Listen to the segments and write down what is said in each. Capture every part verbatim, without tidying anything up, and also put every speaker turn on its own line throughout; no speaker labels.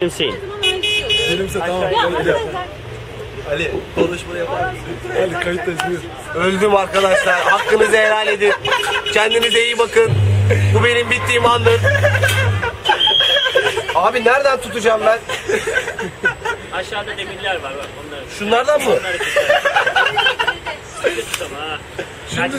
Hüseyin.
Benimse tamam. Ali, Ali konuşma yapar mısın? Ali kayıttayız buyur.
Öldüm arkadaşlar. Hakkınızı helal edin. Kendinize iyi bakın. Bu benim bittiğim andır. Abi nereden tutacağım ben?
Aşağıda demirler var bak onları.
Şunlardan mı?
Onları tut ama ha.
Şimdi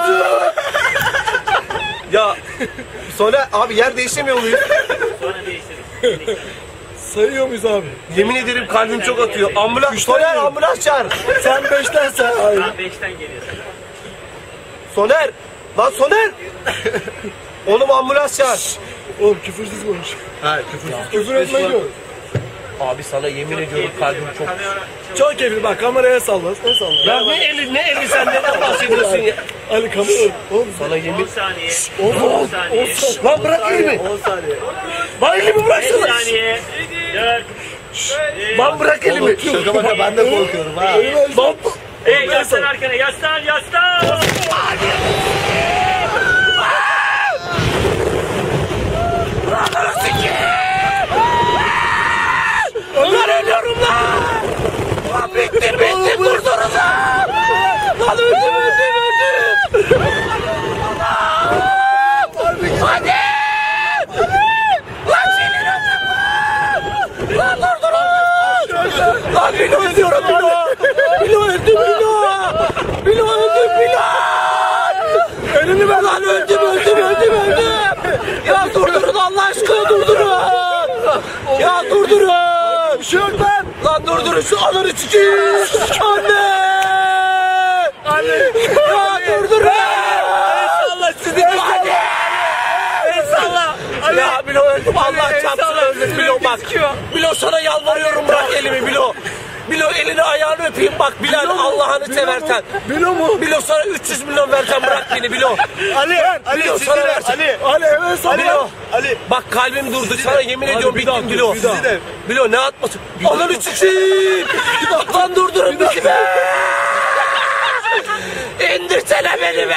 Ya sonra abi yer değişemiyor muyuz?
Sonra değiştiririz.
sayıyor muyuz abi?
Yemin ederim kalbim çok atıyor. Ambulans, Soner ambulans çağır.
Sen beşten sen. Hayır.
Ben beşten geliyorsun.
Soner. Lan Soner. Oğlum ambulans çağır.
Oğlum küfürsüz konuş.
Hayır küfür.
Küfür etme yok.
Abi sana yemin ediyorum kalbim çok...
Çok keyifli bak kameraya salla. Ne salla?
Ya ne eli ne eli sen neden bahsediyorsun ya?
Ali kamera. Oğlum
Sana
on
yemin...
saniye.
on
on saniye.
Lan bırak elimi.
on saniye.
Lan elimi
beş
bıraksana.
saniye. dört.
Lan bırak elimi.
Şaka baka ben de korkuyorum ha.
Lan
Hey yaslan arkana yaslan yaslan.
Lan ölüyorum lan. Lan bitti bitti durdurun lan. Lan öldüm öldüm öldüm. Hadi. Lan senin öldüm lan. Lan durdurun. Lan Bilo ölüyorum Bilo. Bilo öldüm Bilo. Bilo öldüm Bilo. Elini ver lan öldüm öldüm öldüm öldüm. Ya durdurun Allah aşkına durdurun. Ya durdurun. Bir şey yok lan. Lan durdurun şu ananı çıkayım. Anne. Anne. Ya durdurun. Allah sizi. Hadi. Eyvallah. Ya Bilo öldüm Allah çarpsın öldüm Bilo bak. Bilo sana yalvarıyorum bırak elimi Bilo. Bilo elini ayağını öpeyim bak Bilal Allah'ını seversen.
Bilo mu?
Bilo sana üç yüz milyon vereceğim bırak beni Bilo.
Ali. Ali
Bilo sana vereceğim.
Ali. Ali evet sana.
Bilo.
Ali.
Bak kalbim durdu sana yemin
Hadi
ediyorum
bir daha
bittim
dur,
Bilo.
bir daha.
Bilo ne atmasın? Ananı çıkayım. Lan durdurun bizi be. İndirsene beni be.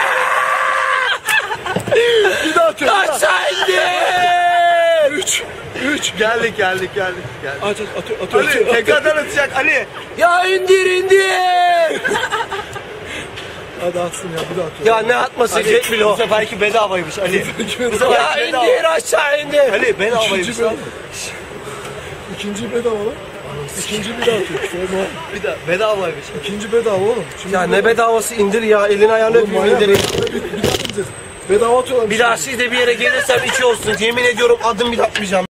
Bir daha atıyor.
Aşağı indir.
Üç. Üç.
Geldik geldik geldik. geldik.
Aç aç atıyor atıyor.
Ali
atıyor.
tekrardan atacak Ali.
Ya indir indir.
Hadi atsın ya bir daha atıyor.
Ya ne atması Jet Bilo.
Bu seferki bedavaymış Ali.
Ya indir aşağı indir.
Ali bedavaymış
İkinci
lan.
bedava. İkinci bedava lan. İkinci bir daha atıyor. Sonra
Bir daha bedavaymış.
ikinci bedava oğlum. Şimdi
Ya ne bedavası indir ya elini ayağını
Oğlum
öpeyim
manyak.
indir.
Bir, bir daha ineceğiz. Bedava atıyorlar.
Bir daha siz de bir yere gelirsem içi olsun. Yemin ediyorum adım bile atmayacağım.